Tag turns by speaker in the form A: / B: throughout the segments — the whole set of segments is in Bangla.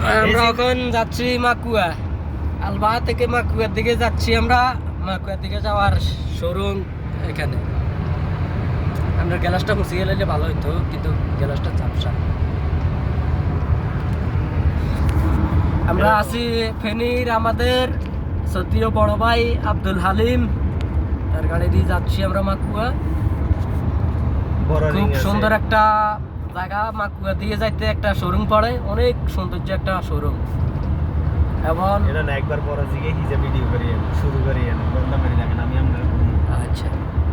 A: আমরা এখন যাচ্ছি মাকুয়া, আলবাহা থেকে মাকুয়ার দিকে যাচ্ছি। আমরা মাকুয়ার দিকে যাওয়ার শোরুম এখানে। আমরা গ্যালাসটা মুছিয়ে গেলে ভালো হইতো, কিন্তু গ্যালাসটা ঝাপসা। আমরা আছি ফেনীর আমাদের সত্যিও বড় ভাই আব্দুল হালিম, তার গাড়ি দিয়ে যাচ্ছি আমরা মাকুয়া। খুব সুন্দর একটা জায়গা, মাকুয়া দিয়ে যাইতে একটা শোরুম পড়ে, অনেক সৌন্দর্য একটা শোরুম। এবং
B: এটা না একবার পরে দিকে হিজে ভিডিও করি শুরু করি বন্ধ করে দেখেন আমি আমরা।
A: আচ্ছা,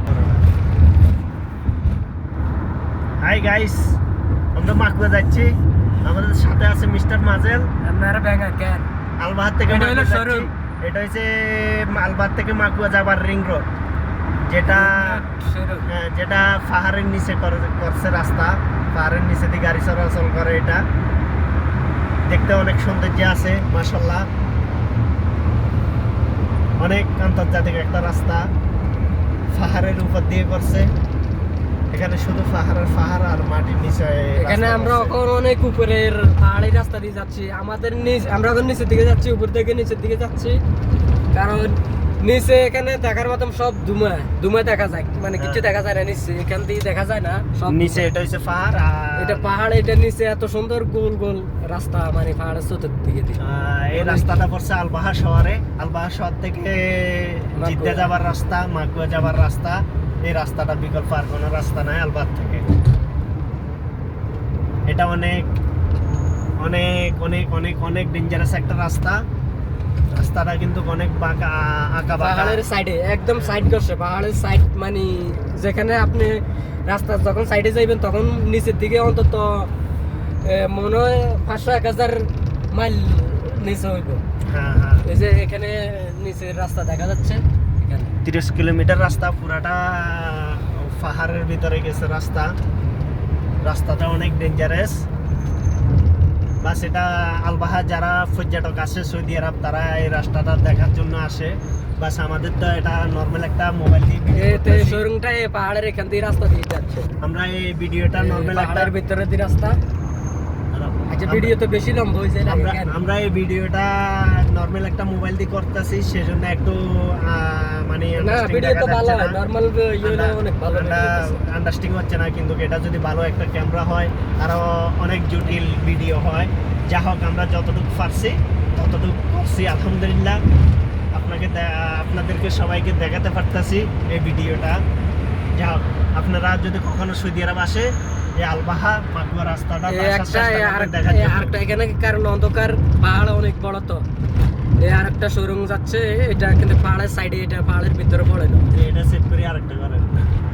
B: হাই গাইস, আমরা মাকুয়া যাচ্ছি। আমাদের সাথে আছে মিস্টার মাজেল।
A: আপনারা ব্যাঙ্গার কেন
B: আলবাহার থেকে
A: এটা হলো
B: মাকুয়া যাচ্ছি।
A: শোরুম।
B: এটা হচ্ছে আলবাহার থেকে মাকুয়া যাবার রিং রোড, যেটা যেটা পাহাড়ের নিচে করছে রাস্তা। পাহাড়ের নিচে দিয়ে গাড়ি চলাচল করে। এটা দেখতে অনেক সৌন্দর্য আছে মাশাআল্লাহ। অনেক আন্তর্জাতিক একটা রাস্তা, পাহাড়ের উপর দিয়ে করছে। এখানে শুধু পাহাড় আর মাটির নিচে।
A: এখানে আমরা এখন অনেক উপরের পাহাড়ি রাস্তা দিয়ে যাচ্ছি। আমরা এখন নিচের দিকে যাচ্ছি, উপর থেকে নিচের দিকে যাচ্ছি। কারণ নিচে এখানে দেখার মতন সব ধুমা দেখা যায়, মানে কিছু দেখা যায় না নিচে। এখান থেকে দেখা যায় না সব
B: নিচে। এটা হচ্ছে পাহাড়,
A: এটা পাহাড়, এটা নিচে এত সুন্দর গোল গোল রাস্তা, মানে পাহাড়ের চতুর্দিকে দিয়ে।
B: এই রাস্তাটা পড়ছে আলবাহা শহরে। আলবাহা শহর থেকে জিদ্দা যাবার রাস্তা, মাকুয়া যাবার রাস্তা। এই রাস্তাটা বিকল্প আর কোনো রাস্তা নাই আলবাহা থেকে। এটা অনেক অনেক অনেক অনেক অনেক ডেঞ্জারাস একটা রাস্তা। রাস্তাটা কিন্তু অনেক বাঁকা আঁকা বাঁকা।
A: পাহাড়ের সাইডে একদম সাইড করছে, পাহাড়ের সাইড, মানে যেখানে আপনি রাস্তা যখন সাইডে যাইবেন তখন নিচের দিকে অন্তত মনে হয় 500-1000 মাইল নিচে হইব।
B: হ্যাঁ,
A: এই যে এখানে নিচের রাস্তা দেখা যাচ্ছে, এখানে
B: 30 কিলোমিটার রাস্তা, পুরাটা পাহাড়ের ভিতরে গেছে রাস্তা। রাস্তাটা অনেক ডেঞ্জারাস। বাস এটা আলবাহা যারা পর্যটক আসে সৌদি আরব, তারা এই রাস্তাটা দেখার জন্য আসে। বাস আমাদের তো এটা নর্মাল একটা মোবাইল দিয়ে
A: শোরুমটা এই পাহাড়ের এখান দিয়ে রাস্তা দিয়ে যাচ্ছে।
B: আমরা এই ভিডিওটা নর্মাল একটা
A: ভিতরে দিয়ে রাস্তা। আচ্ছা, ভিডিও তো বেশি লম্বা হয়েছে।
B: আমরা এই ভিডিওটা নর্মাল একটা মোবাইল দিয়ে করতেছি, সেজন্য একটু মানে
A: ভিডিও তো ভালো হয়, নরমাল ইয়েলে অনেক ভালো
B: আন্ডারস্ট্যান্ডিং হচ্ছে না। কিন্তু এটা যদি ভালো একটা ক্যামেরা হয় আরো অনেক জটিল ভিডিও হয়। যা হোক, আমরা যতটুকু পারছি ততটুকু করছি আলহামদুলিল্লাহ। আপনাদেরকে সবাইকে দেখাতে পারতাছি এই ভিডিওটা। যা হোক, আপনারা যদি কখনো সৌদি আরব আসে এই আলবাহা মাকুয়া রাস্তাটা
A: আরেকটা এখানে, কারণ অন্ধকার, পাহাড় অনেক বড় তো। এই আরেকটা শোরুম যাচ্ছে, এটা কিন্তু পাহাড়ের সাইডে, এটা পাহাড়ের ভিতরে পড়ে না।
B: এটা সেট করে আরেকটা করেন।